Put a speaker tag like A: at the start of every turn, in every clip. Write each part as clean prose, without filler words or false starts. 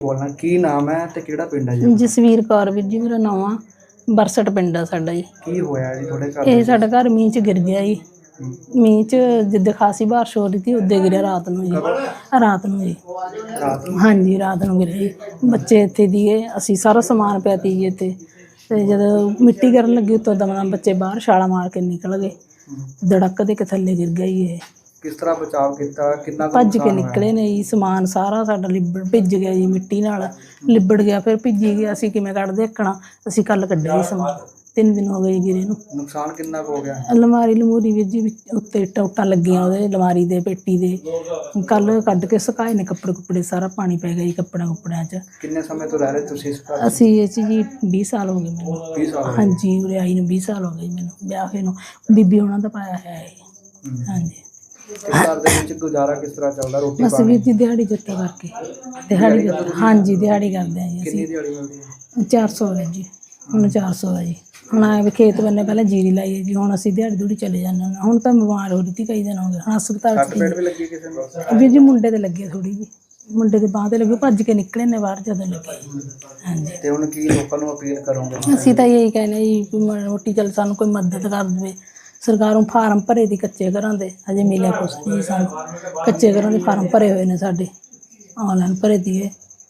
A: ਬੋਲਣਾ ਕੀ ਨਾਮ ਹੈ ਤੇ ਕਿਹੜਾ ਪਿੰਡ ਹੈ ਜੀ?
B: ਜਸਵੀਰ ਕੌਰ ਵੀਰ ਜੀ ਮੇਰਾ ਨਾਮ ਆ। ਬਰਸਟ ਪਿੰਡ ਆ ਸਾਡਾ ਜੀ।
A: ਕੀ ਹੋਇਆ ਜੀ ਤੁਹਾਡੇ ਘਰ
B: ਇਹ ਸਾਡਾ ਘਰ ਮੀਂਹ 'ਚ ਗਿਰ ਗਿਆ ਜੀ। ਮੀਂਹ 'ਚ ਜਿੱਦਾਂ ਖਾਸੀ ਬਾਰਿਸ਼ ਹੋ ਰਹੀ ਸੀ ਉੱਦੇ ਗਿਰਿਆ ਰਾਤ ਨੂੰ ਜੀ। ਰਾਤ ਨੂੰ ਜੀ। ਹਾਂਜੀ ਰਾਤ ਨੂੰ ਗਿਰਿਆ ਜੀ। ਬੱਚੇ ਇੱਥੇ ਦੀਏ ਅਸੀਂ ਸਾਰਾ ਸਮਾਨ ਪਿਆ ਤੀ ਜੀ ਇੱਥੇ। ਤੇ ਜਦੋਂ ਮਿੱਟੀ ਗਿਰਨ ਲੱਗੀ ਉੱਤੋਂ ਦਮ ਬੱਚੇ ਬਾਹਰ ਛਾਲਾਂ ਮਾਰ ਕੇ ਨਿਕਲ ਗਏ। ਧੜਕ ਦੇ ਕੇ ਥੱਲੇ ਗਿਰ ਗਿਆ ਜੀ ਇਹ।
A: ਕਿਸ ਤਰ੍ਹਾਂ ਬਚਾਅ ਕੀਤਾ? ਕਿੰਨਾ
B: ਭੱਜ ਕੇ ਨਿਕਲੇ ਨੇ ਜੀ। ਸਮਾਨ ਸਾਰਾ ਸਾਡਾ ਲਿਬੜ ਭਿੱਜ ਗਿਆ ਜੀ, ਮਿੱਟੀ ਨਾਲ ਲਿਬੜ ਗਿਆ। ਫਿਰ ਭਿੱਜੀ ਗਿਆ। ਅਸੀਂ ਕਿਵੇਂ ਕੱਢਦੇ ਦੇਖਣਾ। ਅਸੀਂ ਕੱਲ ਕੱਢਿਆ ਜੀ ਸਮਾਨ। 3 ਦਿਨ ਹੋ ਗਏ ਗਿਰੇ ਨੂੰ।
A: ਨੁਕਸਾਨ ਕਿੰਨਾ ਕੁ ਹੋ ਗਿਆ?
B: ਅਲਮਾਰੀ ਲਮੂਰੀ ਵੀਰ ਜੀ ਉੱਤੇ ਟੋਟਾਂ ਲੱਗੀਆਂ ਉਹਦੇ ਅਲਮਾਰੀ ਦੇ ਪੇਟੀ ਦੇ। ਕੱਲ ਕੱਢ ਕੇ ਸੁਕਾਏ ਨੇ ਕੱਪੜੇ ਕੁੱਪੜੇ। ਸਾਰਾ ਪਾਣੀ ਪੈ ਗਿਆ ਜੀ ਕੱਪੜਿਆਂ 'ਚ।
A: ਕਿੰਨੇ ਸਮੇਂ ਤੋਂ ਰਹਿ ਰਹੇ ਤੁਸੀਂ ਇਸ ਘਰ?
B: ਅਸੀਂ ਇਹ 'ਚ ਜੀ 20 ਸਾਲ ਹੋ ਗਏ ਮੈਨੂੰ।
A: 20 ਸਾਲ?
B: ਹਾਂਜੀ ਉਰੇ ਆਈ ਨੂੰ 20 ਸਾਲ ਹੋ ਗਏ ਮੈਨੂੰ ਵਿਆਹ ਹੋਏ ਨੂੰ। ਬੀਬੀ ਉਹਨਾਂ ਦਾ ਪਾਇਆ ਹੈ। ਹਾਂਜੀ।
A: ਘਰ ਦੇ ਵਿੱਚ ਗੁਜ਼ਾਰਾ ਕਿਸ ਤਰ੍ਹਾਂ ਚੱਲਦਾ? ਰੋਟੀ
B: ਬਸ ਵੀਰ ਜੀ ਦਿਹਾੜੀ ਜੱਤਾ ਕਰਕੇ। ਦਿਹਾੜੀ ਹਾਂਜੀ ਦਿਹਾੜੀ ਕਰਦੇ ਹਾਂ ਜੀ ਅਸੀਂ।
A: ਕਿੰਨੀ ਦਿਹਾੜੀ ਮਿਲਦੀ ਹੈ?
B: 400 ਹੈ ਜੀ। ਹੁਣ 400 ਹੈ ਜੀ। ਹੁਣ ਆਏ ਵੀ ਖੇਤ ਬੰਨੇ ਪਹਿਲਾਂ ਜੀਰੀ ਲਾਈ ਹੈ ਜੀ। ਹੁਣ ਅਸੀਂ ਦਿਹਾੜੀ ਦੂੜੀ ਚਲੇ ਜਾਂਦੇ ਹਾਂ। ਹੁਣ ਤਾਂ ਬਿਮਾਰ ਹੋ ਰਹੀ ਸੀ ਕਈ ਦਿਨ ਹੋ ਗਏ। ਹੁਣ ਹਸਪਤਾਲ 'ਚ
A: ਪੇਟ ਵੀ ਲੱਗੀ ਕਿਸੇ ਨੂੰ?
B: ਵੀਰ ਜੀ ਮੁੰਡੇ ਦੇ ਲੱਗੇ ਥੋੜ੍ਹੀ ਜੀ। ਮੁੰਡੇ ਦੇ ਬਾਂਹ 'ਤੇ ਲੱਗੇ। ਭੱਜ ਕੇ ਨਿਕਲੇ ਨੇ ਬਾਹਰ ਜਦੋਂ ਲੱਗੇ। ਹਾਂਜੀ।
A: ਤੇ ਹੁਣ ਕੀ ਲੋਕਾਂ ਨੂੰ ਅਪੀਲ ਕਰੋਗੇ?
B: ਅਸੀਂ ਤਾਂ ਇਹੀ ਕਹਿੰਦੇ ਜੀ ਵੀ ਰੋਟੀ ਚੱਲ ਸਾਨੂੰ ਕੋਈ ਮਦਦ ਕਰ ਦੇਵੇ। ਸਰਕਾਰੋਂ ਫਾਰਮ ਭਰੇ ਦੀ ਕੱਚੇ ਘਰਾਂ ਦੇ ਹਜੇ ਮਿਲਿਆ ਕੁਛ ਨਹੀਂ ਸਾਨੂੰ। ਕੱਚੇ ਘਰਾਂ ਦੇ ਫਾਰਮ ਭਰੇ ਹੋਏ ਨੇ ਸਾਡੇ। ਆਨਲਾਈਨ ਭਰੇ ਦੀਏ।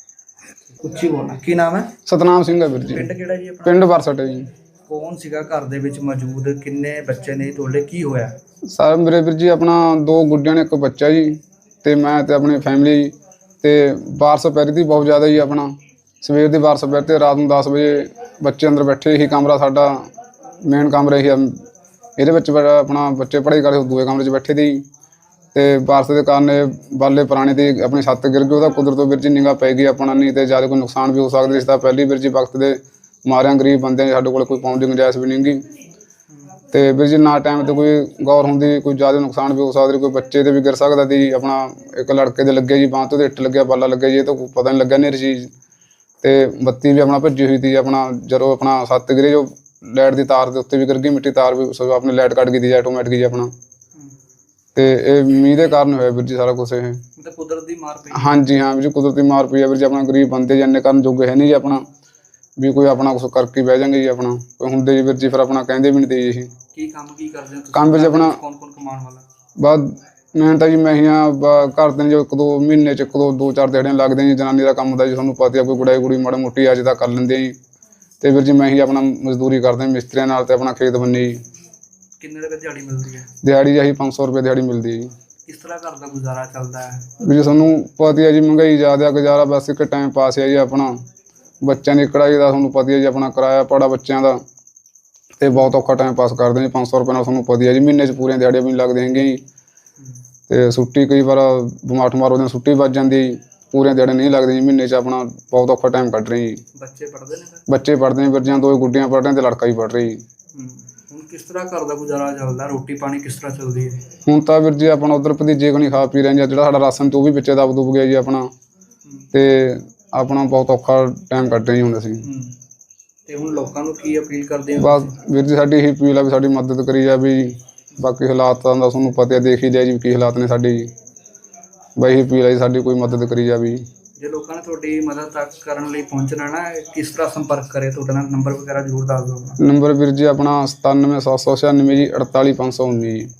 A: ਉੱਚੀ ਬੋਲਣਾ। ਕੀ ਨਾਮ ਹੈ?
C: ਸਤਨਾਮ ਸਿੰਘ ਹੈ ਵੀਰ ਜੀ।
A: ਪਿੰਡ ਕਿਹੜਾ ਜੀ ਆਪਣਾ?
C: ਪਿੰਡ ਬਰਸਟ ਹੈ ਜੀ।
A: ਕੌਣ ਸੀਗਾ ਘਰ ਦੇ ਵਿੱਚ ਮੌਜੂਦ? ਕਿੰਨੇ ਬੱਚੇ ਨੇ ਤੁਹਾਡੇ? ਕੀ ਹੋਇਆ?
C: ਸਰ ਮੇਰੇ ਵੀਰ ਜੀ ਆਪਣਾ 2 ਗੁੱਡੀਆਂ ਨੇ 1 ਬੱਚਾ ਜੀ। ਤੇ ਮੈਂ ਤੇ ਆਪਣੀ ਫੈਮਿਲੀ ਜੀ। ਤੇ ਬਾਰਿਸ਼ ਪੈ ਰਹੀ ਸੀ ਬਹੁਤ ਜ਼ਿਆਦਾ ਜੀ। ਆਪਣਾ ਸਵੇਰ ਦੀ ਬਾਰਿਸ਼ ਪੈ ਤੇ ਰਾਤ ਨੂੰ 10 ਵਜੇ ਬੱਚੇ ਅੰਦਰ ਬੈਠੇ ਹੀ। ਕਮਰਾ ਸਾਡਾ ਮੇਨ ਕਮਰਾ ਹੀ ਇਹਦੇ ਵਿੱਚ ਆਪਣਾ ਬੱਚੇ ਪੜ੍ਹਾਈ ਕਰਦੇ ਦੂਏ ਕਮਰੇ 'ਚ ਬੈਠੇ ਸੀ। ਤੇ ਬਾਰਿਸ਼ ਦੇ ਕਾਰਨ ਇਹ ਬਾਲੇ ਪੁਰਾਣੇ ਦੀ ਆਪਣੀ ਛੱਤ ਗਿਰ ਗਈ। ਉਹਦਾ ਕੁਦਰਤੋਂ ਵੀਰ ਜੀ ਨਿਗਾਹ ਪੈ ਗਈ ਆਪਣਾ। ਨਹੀਂ ਤੇ ਜ਼ਿਆਦਾ ਕੋਈ ਨੁਕਸਾਨ ਵੀ ਹੋ ਸਕਦਾ ਇਸ ਦਾ। ਪਹਿਲੀ ਵੀਰ ਜੀ ਵਕਤ ਦੇ ਮਾਰਿਆਂ ਗਰੀਬ ਬੰਦੇ ਸਾਡੇ ਕੋਲ ਕੋਈ ਪਾਉਣ ਦੀ ਗੁੰਜਾਇਸ਼ ਵੀ ਨਹੀਂ ਗੀ। ਤੇ ਵੀਰ ਜੀ ਨਾ ਟਾਈਮ 'ਤੇ ਕੋਈ ਗੌਰ ਹੁੰਦੀ ਕੋਈ ਜ਼ਿਆਦਾ ਨੁਕਸਾਨ ਵੀ ਹੋ ਸਕਦਾ। ਕੋਈ ਬੱਚੇ 'ਤੇ ਵੀ ਗਿਰ ਸਕਦਾ ਸੀ। ਆਪਣਾ ਇੱਕ ਲੜਕੇ ਦੇ ਲੱਗੇ ਜੀ ਬਾਂਹ ਤੋਂ ਇੱਟ ਲੱਗਿਆ ਬਾਲਾ ਲੱਗਿਆ ਜੀ। ਇਹ ਤਾਂ ਪਤਾ ਨਹੀਂ ਲੱਗਿਆ ਨੇਰੀ ਚੀਜ਼। ਤੇ ਬੱਤੀ ਵੀ ਆਪਣਾ ਭੱਜੀ ਹੋਈ ਸੀ। ਆਪਣਾ ਜਦੋਂ ਆਪਣਾ ਛੱਤ ਗਿਰੇ ਜੋ ਲਾਈਟ ਦੀ ਤਾਰ ਦੇ ਉੱਤੇ ਵੀ ਗਿਰ ਗਈ। ਮਿੱਟੀ ਤਾਰ ਵੀ ਆਪਣੀ ਲਾਈਟ ਕੱਟ ਗਈ ਸੀ ਆਟੋਮੈਟਿਕ ਜੀ ਆਪਣਾ। ਤੇ ਇਹ ਮੀਂਹ ਦੇ ਕਾਰਨ ਹੋਇਆ ਵੀਰ ਜੀ ਸਾਰਾ ਕੁਛ। ਇਹ
A: ਮਤਲਬ ਕੁਦਰਤ ਦੀ ਮਾਰ ਪਈ?
C: ਹਾਂਜੀ ਹਾਂ ਵੀਰ ਜੀ ਕੁਦਰਤੀ ਮਾਰ ਪਈ ਹੈ ਵੀਰ ਜੀ। ਆਪਣਾ ਗਰੀਬ ਬੰਦੇ ਜੀ ਇੰਨੇ ਕਰਨ ਜੋਗੇ ਹੈ ਨਹੀਂ ਜੀ ਆਪਣਾ ਵੀ ਕੋਈ ਆਪਣਾ ਕੁਛ ਕਰਕੇ ਬਹਿ ਜਾਂਗੇ ਜੀ। ਆਪਣਾ ਕੋਈ ਹੁੰਦੇ ਜੀ ਵੀਰ ਜੀ ਫਿਰ ਆਪਣਾ ਕਹਿੰਦੇ ਵੀ ਨਹੀਂ ਤੇ ਜੀ।
A: ਕੀ ਕੰਮ ਕੀ ਕਰਦੇ ਹੋ ਤੁਸੀਂ?
C: ਕੰਮ ਵਿੱਚ ਆਪਣਾ
A: ਕੌਣ ਕੌਣ ਕਮਾਉਣ ਵਾਲਾ?
C: ਬਸ ਮੈਂ ਤਾਂ ਜੀ ਮੈਂ ਹੀ ਹਾਂ। ਘਰ ਦੇ ਜੋ 1-2 ਮਹੀਨੇ 'ਚ 2-4 ਦਿਹਾੜੀਆਂ ਲੱਗਦੀਆਂ ਜੀ। ਜਨਾਨੀ ਦਾ ਕੰਮ ਹੁੰਦਾ ਜੀ ਤੁਹਾਨੂੰ ਪਤਾ। ਕੋਈ ਗੁੜਾਈ ਗੁੜੀ ਮਾੜਾ ਮੋਟੀ ਅੱਜ ਤਾਂ ਕਰ ਲੈਂਦੇ ਜੀ। ਤੇ ਵੀਰ ਜੀ ਮੈਂ ਹੀ ਆਪਣਾ ਮਜ਼ਦੂਰੀ ਕਰਦੇ ਮਿਸਤਰੀਆਂ ਨਾਲ ਤੇ ਆਪਣਾ ਖੇਤ ਬੰਨੀ ਜੀ।
A: ਕਿੰਨੇ ਰੁਪਏ ਦਿਹਾੜੀ ਮਿਲਦੀ ਹੈ?
C: ਦਿਹਾੜੀ ਆਹੀ 500 ਰੁਪਏ ਦਿਹਾੜੀ ਮਿਲਦੀ ਹੈ ਜੀ।
A: ਕਿਸ ਤਰ੍ਹਾਂ ਘਰ ਦਾ ਗੁਜ਼ਾਰਾ ਚੱਲਦਾ ਹੈ?
C: ਵੀ ਜੀ ਤੁਹਾਨੂੰ ਪਤਾ ਹੈ ਜੀ ਮਹਿੰਗਾਈ ਜ਼ਿਆਦਾ ਗੁਜ਼ਾਰਾ ਬਸ ਇੱਕ ਟਾਈਮ ਪਾਸ ਹੈ ਜੀ ਆਪਣਾ। ਬੱਚਿਆਂ ਦੀ ਕੜਾਈ ਦਾ ਤੁਹਾਨੂੰ ਪਤਾ ਹੈ ਜੀ। ਆਪਣਾ ਕਿਰਾਇਆ ਪੜਾ ਬੱਚਿਆਂ ਦਾ ਤੇ ਬਹੁਤ ਔਖਾ ਟਾਈਮ ਪਾਸ ਕਰਦੇ ਜੀ। 500 ਰੁਪਏ ਨਾਲ ਤੁਹਾਨੂੰ ਪਤਾ ਹੈ ਜੀ ਮਹੀਨੇ 'ਚ ਪੂਰੀਆਂ ਦਿਹਾੜੀਆਂ ਵੀ ਨਹੀਂ ਲੱਗਦੀਆਂ ਹੈਗੀਆਂ ਜੀ। ਤੇ ਛੁੱਟੀ ਕਈ ਵਾਰ ਬਿਮਾਰ ਠਮਾਰ ਉਹਦੇ ਛੁੱਟੀ ਵੱਜ ਜਾਂਦੀ ਜੀ। ਪੂਰੀਆਂ ਦਿਹਾੜੀਆਂ ਨਹੀਂ ਲੱਗਦੀਆਂ ਜੀ ਮਹੀਨੇ 'ਚ। ਆਪਣਾ ਬਹੁਤ ਔਖਾ ਟਾਈਮ ਕੱਢ ਰਹੇ ਜੀ।
A: ਬੱਚੇ ਪੜ੍ਹਦੇ ਨੇ?
C: ਬੱਚੇ ਪੜ੍ਹਦੇ ਨੇ ਵੀਰ ਜੀ। 2 ਗੁੱਡੀਆਂ ਪੜ੍ਹ ਰਹੀਆਂ ਤੇ ਲੜਕਾ ਵੀ ਪੜ੍ਹ ਰਹੀ ਜੀ।
A: ਹੁਣ ਕਿਸ ਤਰ੍ਹਾਂ ਘਰ ਦਾ ਗੁਜ਼ਾਰਾ ਚੱਲਦਾ? ਰੋਟੀ ਪਾਣੀ ਕਿਸ ਤਰ੍ਹਾਂ ਚੱਲਦੀ ਹੈ?
C: ਹੁਣ ਤਾਂ ਵੀਰ ਜੀ ਆਪਣਾ ਉੱਧਰ ਭਤੀਜੇ ਕੋਲ ਖਾ ਪੀ ਰਹੇ ਜੀ। ਜਿਹੜਾ ਸਾਡਾ ਰਾਸ਼ਨ ਤੇ ਉਹ ਵੀ ਵਿੱਚੇ ਦਬ ਦੁਬ ਗਿਆ ਜੀ ਆਪਣਾ। ਤੇ ਆਪਣਾ ਬਹੁਤ ਔਖਾ ਟਾਈਮ ਕੱਢ ਰਹੇ ਜੀ ਹੁਣ ਅਸੀਂ।
A: ਤੇ ਹੁਣ ਲੋਕਾਂ ਨੂੰ ਕੀ ਅਪੀਲ ਕਰਦੇ ਹੋ?
C: ਬਸ ਵੀਰ ਜੀ ਸਾਡੀ ਇਹੀ ਅਪੀਲ ਆ ਵੀ ਸਾਡੀ ਮਦਦ ਕਰੀ ਜਾਵੇ ਜੀ। ਬਾਕੀ ਹਾਲਾਤਾਂ ਦਾ ਤੁਹਾਨੂੰ ਪਤਾ ਦੇਖ ਹੀ ਲਿਆ ਜੀ ਕੀ ਹਾਲਾਤ ਨੇ ਸਾਡੇ ਜੀ। ਬਈ ਇਹੀ ਅਪੀਲ ਹੈ ਜੀ ਸਾਡੀ ਕੋਈ ਮਦਦ ਕਰੀ ਜਾਵੇ ਜੀ।
A: ਜੇ ਲੋਕਾਂ ਨੇ ਤੁਹਾਡੀ ਮਦਦ ਤੱਕ ਕਰਨ ਲਈ ਪਹੁੰਚਣਾ ਨਾ ਕਿਸ ਤਰ੍ਹਾਂ ਸੰਪਰਕ ਕਰੇ? ਤੁਹਾਡਾ ਨੰਬਰ ਵਗੈਰਾ ਜ਼ਰੂਰ ਦੱਸ ਦਿਓ।
C: ਨੰਬਰ ਵੀਰ ਜੀ ਆਪਣਾ 97796 ਜੀ 48519 ਜੀ।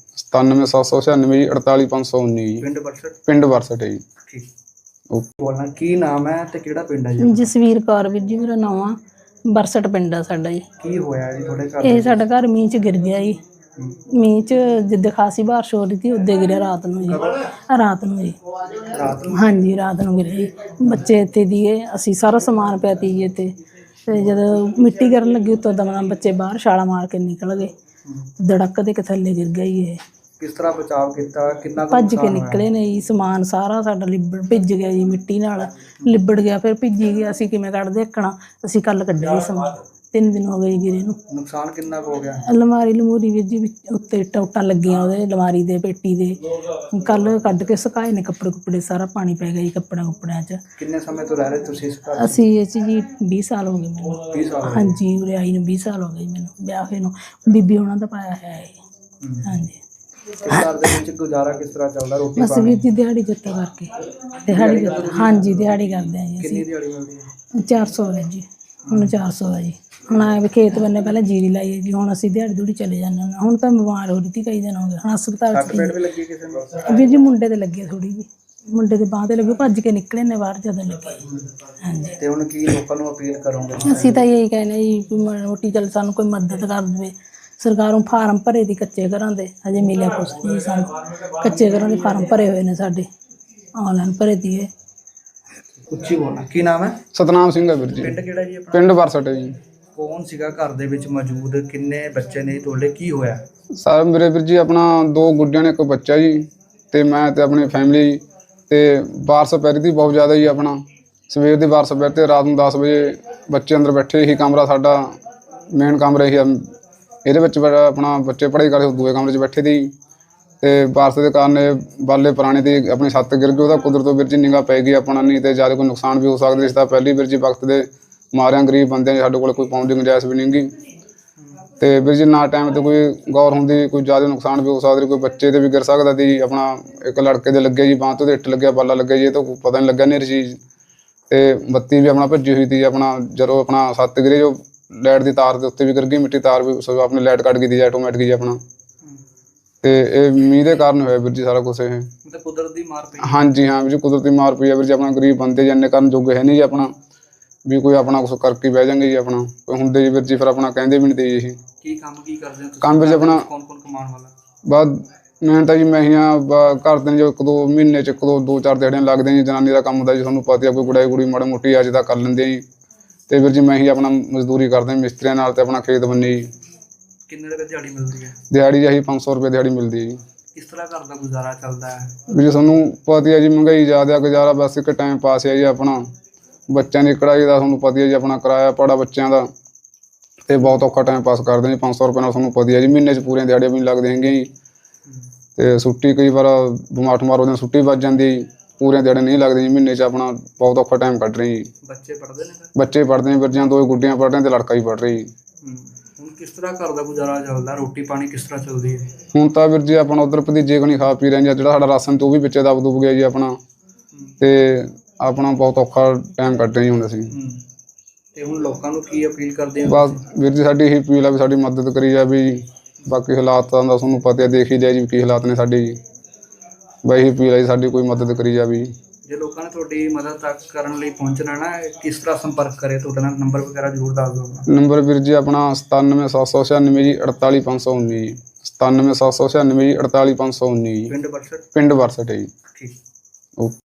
C: 97796 ਜੀ 48519 ਜੀ।
A: ਪਿੰਡ ਬਰਸਟ? ਪਿੰਡ
C: ਬਰਸਟ ਹੈ ਜੀ।
A: ਠੀਕ। ਬੋਲਣਾ ਕੀ ਨਾਮ ਹੈ ਤੇ ਕਿਹੜਾ ਪਿੰਡ ਹੈ ਜੀ?
B: ਜਸਵੀਰ ਕੌਰ ਵੀਰ ਜੀ ਮੇਰਾ ਨਾਮ ਆ। ਬਰਸਟ ਪਿੰਡ ਆ ਸਾਡਾ ਜੀ।
A: ਕੀ ਹੋਇਆ ਜੀ ਤੁਹਾਡੇ ਘਰ?
B: ਇਹ ਸਾਡਾ ਘਰ ਮੀਂਹ 'ਚ ਗਿਰ ਗਿਆ ਜੀ। ਮੀਂਹ 'ਚ ਜਿੱਦਾਂ ਖਾਸੀ ਬਾਰਿਸ਼ ਹੋ ਰਹੀ ਸੀ ਉੱਦੇ ਗਿਰਿਆ ਰਾਤ ਨੂੰ ਜੀ। ਰਾਤ ਨੂੰ ਜੀ। ਹਾਂਜੀ ਰਾਤ ਨੂੰ ਗਿਰਿਆ ਜੀ। ਬੱਚੇ ਇੱਥੇ ਦੀਏ ਅਸੀਂ ਸਾਰਾ ਸਮਾਨ ਪਿਆ ਤੀ ਜੀ ਇੱਥੇ। ਤੇ ਜਦੋਂ ਮਿੱਟੀ ਗਿਰਨ ਲੱਗੀ ਉੱਤੋਂ ਦਮ ਬੱਚੇ ਬਾਹਰ ਛਾਲਾਂ ਮਾਰ ਕੇ ਨਿਕਲ ਗਏ। ਧੜਕ ਦੇ ਕੇ ਥੱਲੇ ਗਿਰ ਗਿਆ ਜੀ ਇਹ।
A: ਕਿਸ ਤਰ੍ਹਾਂ ਬਚਾਅ ਕੀਤਾ? ਕਿੰਨਾ
B: ਭੱਜ ਕੇ ਨਿਕਲੇ ਨੇ ਜੀ। ਸਮਾਨ ਸਾਰਾ ਸਾਡਾ ਲਿਬੜ ਭਿੱਜ ਗਿਆ ਜੀ, ਮਿੱਟੀ ਨਾਲ ਲਿਬੜ ਗਿਆ। ਫਿਰ ਭਿੱਜੀ ਗਿਆ। ਅਸੀਂ ਕਿਵੇਂ ਕੱਢਦੇ ਦੇਖਣਾ। ਅਸੀਂ ਕੱਲ ਕੱਢਿਆ ਜੀ ਸਮਾਨ। 3 ਦਿਨ ਹੋ ਗਏ ਗਿਰੇ ਨੂੰ।
A: ਨੁਕਸਾਨ ਕਿੰਨਾ ਕੁ ਹੋ ਗਿਆ?
B: ਅਲਮਾਰੀ ਲਮੂਰੀ ਵੀਰ ਜੀ ਉੱਤੇ ਟੋਟਾਂ ਲੱਗੀਆਂ ਉਹਦੇ ਅਲਮਾਰੀ ਦੇ ਪੇਟੀ ਦੇ। ਕੱਲ ਕੱਢ ਕੇ ਸੁਕਾਏ ਨੇ ਕੱਪੜੇ ਕੁੱਪੜੇ। ਸਾਰਾ ਪਾਣੀ ਪੈ ਗਿਆ ਜੀ ਕੱਪੜਿਆਂ 'ਚ।
A: ਕਿੰਨੇ ਸਮੇਂ ਤੋਂ ਰਹਿ ਰਹੇ ਤੁਸੀਂ ਇਸ ਘਰ?
B: ਅਸੀਂ ਇਹ 'ਚ ਜੀ 20 ਸਾਲ ਹੋ ਗਏ ਮੈਨੂੰ।
A: 20 ਸਾਲ?
B: ਹਾਂਜੀ ਉਰੇ ਆਈ ਨੂੰ 20 ਸਾਲ ਹੋ ਗਏ ਮੈਨੂੰ ਵਿਆਹ ਹੋਏ ਨੂੰ। ਬੀਬੀ ਉਹਨਾਂ ਦਾ ਪਾਇਆ ਹੈ। ਹਾਂਜੀ।
A: ਘਰ ਦੇ ਵਿੱਚ ਗੁਜ਼ਾਰਾ ਕਿਸ ਤਰ੍ਹਾਂ ਚੱਲਦਾ, ਰੋਟੀ
B: ਬਸ ਵੀਰ ਜੀ ਦਿਹਾੜੀ ਜੱਤਾ ਕਰਕੇ ਦਿਹਾੜੀ ਹਾਂਜੀ ਦਿਹਾੜੀ ਕਰਦੇ ਆ ਜੀ
A: ਕਿੰਨੀ
B: ਅਸੀਂ।
A: ਦਿਹਾੜੀ ਮਿਲਦੀ ਹੈ?
B: 400 ਹੈ ਜੀ, ਹੁਣ 400 ਹੈ ਜੀ। ਹੁਣ ਆਏ ਵੀ ਖੇਤ ਬੰਨੇ ਪਹਿਲਾਂ ਜੀਰੀ ਲਾਈ ਹੈ ਜੀ, ਹੁਣ ਅਸੀਂ ਦਿਹਾੜੀ ਦੂੜੀ ਚਲੇ ਜਾਂਦੇ ਹਾਂ। ਹੁਣ ਤਾਂ ਬਿਮਾਰ ਹੋ ਰਹੀ ਸੀ ਕਈ ਦਿਨ ਹੋ ਗਏ, ਹੁਣ ਹਸਪਤਾਲ
A: ਸੱਟ
B: ਚ
A: ਪੇਟ ਵੀ ਲੱਗੀ ਕਿਸੇ ਨੂੰ?
B: ਵੀਰ ਜੀ ਮੁੰਡੇ ਤੇ ਲੱਗੇ ਥੋੜੀ ਜੀ, ਮੁੰਡੇ ਦੇ ਬਾਂਹ ਤੇ ਲੱਗੇ, ਭੱਜ ਕੇ ਨਿਕਲੇ ਨੇ ਬਾਹਰ ਜਦੋਂ ਲੱਗੇ। ਹਾਂਜੀ
A: ਤੇ ਹੁਣ ਕੀ ਲੋਕਾਂ ਨੂੰ ਅਪੀਲ ਕਰੋਗੇ?
B: ਅਸੀਂ ਤਾਂ ਇਹੀ ਕਹਿੰਦੇ ਜੀ ਵੀ ਮਾੜੀ ਮੋਟੀ ਚੱਲ ਸਾਨੂੰ ਕੋਈ ਮਦਦ ਕਰ ਦੇਵੇ। ਸਰਕਾਰੋਂ ਫਾਰਮ ਭਰੇ ਦੀ ਕੱਚੇ ਘਰਾਂ ਦੇ, ਹਜੇ ਮਿਲਿਆ ਕੁਛ ਨਹੀਂ ਸਾਨੂੰ। ਕੱਚੇ ਘਰਾਂ ਦੇ ਫਾਰਮ ਭਰੇ ਹੋਏ ਨੇ ਸਾਡੇ, ਆਨਲਾਈਨ ਭਰੇ ਦੀਏ।
A: ਉੱਚੀ ਬੋਲਣਾ। ਕੀ ਨਾਮ ਹੈ?
C: ਸਤਨਾਮ ਸਿੰਘ ਹੈ ਵੀਰ ਜੀ।
A: ਪਿੰਡ ਕਿਹੜਾ ਜੀ ਆਪਣਾ?
C: ਪਿੰਡ ਬਰਸਟ ਹੈ ਜੀ।
A: ਕੌਣ ਸੀਗਾ ਘਰ ਦੇ ਵਿੱਚ ਮੌਜੂਦ? ਕਿੰਨੇ ਬੱਚੇ ਨੇ ਤੁਹਾਡੇ? ਕੀ ਹੋਇਆ?
C: ਸਰ ਮੇਰੇ ਵੀਰ ਜੀ ਆਪਣਾ 2 ਗੁੱਡੀਆਂ ਨੇ 1 ਬੱਚਾ ਜੀ, ਤੇ ਮੈਂ ਤੇ ਆਪਣੀ ਫੈਮਿਲੀ। ਤੇ ਬਾਰਿਸ਼ ਪੈ ਰਹੀ ਸੀ ਬਹੁਤ ਜ਼ਿਆਦਾ ਜੀ। ਆਪਣਾ ਸਵੇਰ ਦੀ ਬਾਰਿਸ਼ ਪੈ ਤੇ ਰਾਤ ਨੂੰ 10 ਵਜੇ ਬੱਚੇ ਅੰਦਰ ਬੈਠੇ ਹੀ। ਕਮਰਾ ਸਾਡਾ ਮੇਨ ਕਮਰਾ ਹੀ ਇਹਦੇ ਵਿੱਚ ਆਪਣਾ ਬੱਚੇ ਪੜ੍ਹਾਈ ਕਰਦੇ ਦੂਏ ਕਮਰੇ 'ਚ ਬੈਠੇ ਸੀ। ਤੇ ਬਾਰਿਸ਼ ਦੇ ਕਾਰਨ ਇਹ ਬਾਲੇ ਪੁਰਾਣੇ ਦੀ ਆਪਣੀ ਛੱਤ ਗਿਰ ਗਈ। ਉਹਦਾ ਕੁਦਰਤੋਂ ਵੀਰ ਜੀ ਨਿਗਾਹ ਪੈ ਗਈ ਆਪਣਾ, ਨਹੀਂ ਤੇ ਜ਼ਿਆਦਾ ਕੋਈ ਨੁਕਸਾਨ ਵੀ ਹੋ ਸਕਦਾ। ਇਸ ਦਾ ਪਹਿਲੀ ਵੀਰ ਜੀ ਵਕਤ ਦੇ ਮਾਰਿਆਂ ਗਰੀਬ ਬੰਦਿਆਂ ਸਾਡੇ ਕੋਲ ਕੋਈ ਪਾਉਣ ਦੀ ਗੁੰਜਾਇਸ਼ ਵੀ ਨਹੀਂ ਗੀ। ਤੇ ਵੀਰ ਜੀ ਨਾ ਟਾਈਮ ਤੇ ਕੋਈ ਗੌਰ ਹੁੰਦੀ, ਕੋਈ ਜ਼ਿਆਦਾ ਨੁਕਸਾਨ ਵੀ ਹੋ ਸਕਦਾ, ਕੋਈ ਬੱਚੇ ਤੇ ਵੀ ਗਿਰ ਸਕਦਾ ਸੀ। ਆਪਣਾ ਇੱਕ ਲੜਕੇ ਦੇ ਲੱਗੇ ਜੀ ਬਾਂਹ ਤੋਂ, ਇੱਟ ਲੱਗਿਆ, ਬਾਲਾ ਲੱਗਿਆ ਜੀ, ਇਹ ਤਾਂ ਪਤਾ ਨਹੀਂ ਲੱਗਾ ਨਹੀਂ ਚੀਜ਼। ਤੇ ਬੱਤੀ ਵੀ ਆਪਣਾ ਭੱਜੀ ਹੋਈ ਸੀ। ਆਪਣਾ ਜਦੋਂ ਆਪਣਾ ਛੱਤ ਗਿਰੇ, ਜੋ ਲਾਈਟ ਦੀ ਤਾਰ ਦੇ ਉੱਤੇ ਵੀ ਗਿਰ ਗਈ, ਮਿੱਟੀ ਤਾਰ ਵੀ ਆਪਣੀ ਲਾਈਟ ਕੱਟ ਗਈ ਸੀ ਆਟੋਮੈਟਿਕ ਜੀ ਆਪਣਾ। ਤੇ ਇਹ ਮੀਂਹ ਦੇ ਕਾਰਨ ਹੋਇਆ ਵੀਰ ਜੀ ਸਾਰਾ ਕੁਛ। ਇਹ
A: ਮਤਲਬ ਕੁਦਰਤ ਦੀ ਮਾਰ ਪਈ?
C: ਹਾਂਜੀ ਹਾਂ ਵੀਰ ਜੀ, ਕੁਦਰਤੀ ਮਾਰ ਪਈ ਆ ਵੀਰ ਜੀ। ਆਪਣਾ ਗਰੀਬ ਬੰਦੇ ਜੰਨੇ ਕਰਨ ਜੋਗੇ ਹੈ ਨਹੀਂ ਜੀ ਆਪਣਾ, ਵੀ ਕੋਈ ਆਪਣਾ ਕੁਛ ਕਰਕੇ ਬਹਿ ਜਾਂਗੇ ਜੀ। ਆਪਣਾ ਕੋਈ ਹੁੰਦੇ ਜੀ ਵੀਰ ਜੀ, ਫਿਰ ਆਪਣਾ ਕਹਿੰਦੇ ਵੀ ਨਹੀਂ ਤੇ ਜੀ।
A: ਕੀ ਕੰਮ ਕੀ ਕਰਦੇ ਹੋ ਤੁਸੀਂ?
C: ਕੰਮ ਵਿੱਚ ਆਪਣਾ
A: ਕੌਣ ਕੌਣ ਕਮਾਉਣ ਵਾਲਾ?
C: ਬਾਅਦ ਮੈਂ ਤਾਂ ਜੀ ਮੈਂ ਹੀ ਹਾਂ। ਘਰ ਦੇ ਜੋ 1-2 ਮਹੀਨੇ 'ਚ 1-2-4 ਦਿਹਾੜੀਆਂ ਲੱਗਦੇ ਜੀ। ਜਨਾਨੀ ਦਾ ਕੰਮ ਹੁੰਦਾ ਜੀ, ਤੁਹਾਨੂੰ ਪਤਾ, ਕੋਈ ਗੁੜਾਈ ਗੁੜੀ ਮਾੜੀ ਮੋਟੀ ਅੱਜ ਦਾ ਕਰ ਲੈਂਦੇ ਜੀ। ਤੇ ਵੀਰ ਜੀ ਮੈਂ ਹੀ ਆਪਣਾ ਮਜ਼ਦੂਰੀ ਕਰਦੇ ਮਿਸਤਰੀਆਂ ਨਾਲ, ਤੇ ਆਪਣਾ ਖੇਤ ਬੰਨੇ ਜੀ।
A: ਕਿੰਨੇ ਰੁਪਏ ਦਿਹਾੜੀ ਮਿਲਦੀ ਹੈ?
C: ਦਿਹਾੜੀ ਆਹੀ 500 ਰੁਪਏ ਦਿਹਾੜੀ ਮਿਲਦੀ ਹੈ ਜੀ।
A: ਕਿਸ ਤਰ੍ਹਾਂ ਘਰ ਦਾ ਗੁਜ਼ਾਰਾ ਚੱਲਦਾ ਹੈ?
C: ਵੀ ਜੀ ਤੁਹਾਨੂੰ ਪਤਾ ਹੈ ਜੀ, ਮਹਿੰਗਾਈ ਜ਼ਿਆਦਾ, ਗੁਜ਼ਾਰਾ ਬਸ ਇੱਕ ਟਾਈਮ ਪਾਸ ਹੈ ਜੀ ਆਪਣਾ। ਬੱਚਿਆਂ ਦੀ ਕਢਾਈ ਦਾ ਤੁਹਾਨੂੰ ਪਤਾ ਹੈ ਜੀ, ਆਪਣਾ ਕਿਰਾਇਆ ਪੜਾ ਬੱਚਿਆਂ ਦਾ, ਤੇ ਬਹੁਤ ਔਖਾ ਟਾਈਮ ਪਾਸ ਕਰਦੇ ਜੀ। 500 ਰੁਪਏ ਨਾਲ ਤੁਹਾਨੂੰ ਪਤਾ ਹੈ ਜੀ, ਮਹੀਨੇ 'ਚ ਪੂਰੀਆਂ ਦਿਹਾੜੀਆਂ ਵੀ ਨਹੀਂ ਲੱਗਦੀਆਂ ਹੈਗੀਆਂ ਜੀ। ਤੇ ਛੁੱਟੀ ਕਈ ਵਾਰ ਬਿਮਾਰ ਠਮਾਰ ਹੋ ਜਾਂਦੇ, ਛੁੱਟੀ ਵੱਜ ਜਾਂਦੀ ਜੀ, ਪੂਰੀਆਂ ਦਿਹਾੜੀਆਂ ਨਹੀਂ ਲੱਗਦੀਆਂ ਜੀ ਮਹੀਨੇ 'ਚ। ਆਪਣਾ ਬਹੁਤ ਔਖਾ ਟਾਈਮ ਕੱਢ ਰਹੇ ਜੀ।
A: ਬੱਚੇ ਪੜ੍ਹਦੇ ਨੇ ਫਿਰ?
C: ਬੱਚੇ ਪੜ੍ਹਦੇ ਨੇ ਵੀਰ ਜੀ, 2 ਗੁੱਡੀਆਂ ਪੜ੍ਹ ਰਹੀਆਂ ਤੇ ਲੜਕਾ ਹੀ ਪੜ੍ਹ ਰਹੀ ਜੀ।
A: ਹੁਣ ਕਿਸ ਤਰ੍ਹਾਂ ਘਰ ਦਾ ਗੁਜ਼ਾਰਾ ਚੱਲਦਾ? ਰੋਟੀ ਪਾਣੀ ਕਿਸ ਤਰ੍ਹਾਂ ਚੱਲਦੀ ਹੈ?
C: ਹੁਣ ਤਾਂ ਵੀਰ ਜੀ ਆਪਣਾ ਉੱਧਰ ਭਤੀਜੇ ਕੋਲ ਖਾ ਪੀ ਰਹੇ ਜੀ। ਜਿਹੜਾ ਸਾਡਾ ਰਾਸ਼ਨ ਤੇ ਉਹ ਵੀ ਵਿੱਚੇ ਦਬ ਦੁਬ ਗਿਆ ਜੀ ਆਪਣਾ। ਤੇ ਆਪਣਾ ਬਹੁਤ ਔਖਾ ਟਾਈਮ ਕੱਢ ਰਹੇ ਜੀ ਹੁਣ ਅਸੀਂ।
A: ਤੇ ਹੁਣ ਲੋਕਾਂ ਨੂੰ ਕੀ ਅਪੀਲ ਕਰਦੇ ਹੋ?
C: ਬਸ ਵੀਰ ਜੀ ਸਾਡੀ ਇਹੀ ਅਪੀਲ ਆ ਵੀ ਸਾਡੀ ਮਦਦ ਕਰੀ ਜਾਵੇ ਜੀ। ਬਾਕੀ ਹਾਲਾਤਾਂ ਦਾ ਤੁਹਾਨੂੰ ਪਤਾ ਦੇਖ ਹੀ ਲਿਆ ਜੀ ਕੀ ਹਾਲਾਤ ਨੇ ਸਾਡੇ ਜੀ। ਬਸ ਇਹੀ ਅਪੀਲ ਆ ਜੀ, ਸਾਡੀ ਕੋਈ ਮਦਦ ਕਰੀ ਜਾਵੇ ਜੀ।
A: ਜੇ ਲੋਕਾਂ ਨੇ ਤੁਹਾਡੀ ਮਦਦ ਤੱਕ ਕਰਨ ਲਈ ਪਹੁੰਚਣਾ ਨਾ, ਕਿਸ ਤਰ੍ਹਾਂ ਸੰਪਰਕ ਕਰੇ? ਤੁਹਾਡਾ ਨੰਬਰ ਵਗੈਰਾ ਜ਼ਰੂਰ ਦੱਸ ਦਿਓ।
C: ਨੰਬਰ ਵੀਰ ਜੀ ਆਪਣਾ 97796 ਜੀ 48519 ਜੀ। 97796 ਜੀ 48519 ਜੀ।
A: ਪਿੰਡ ਬਰਸਟ?
C: ਪਿੰਡ ਬਰਸਟ ਹੈ ਜੀ।
A: ਠੀਕ।
C: ਓਕੇ।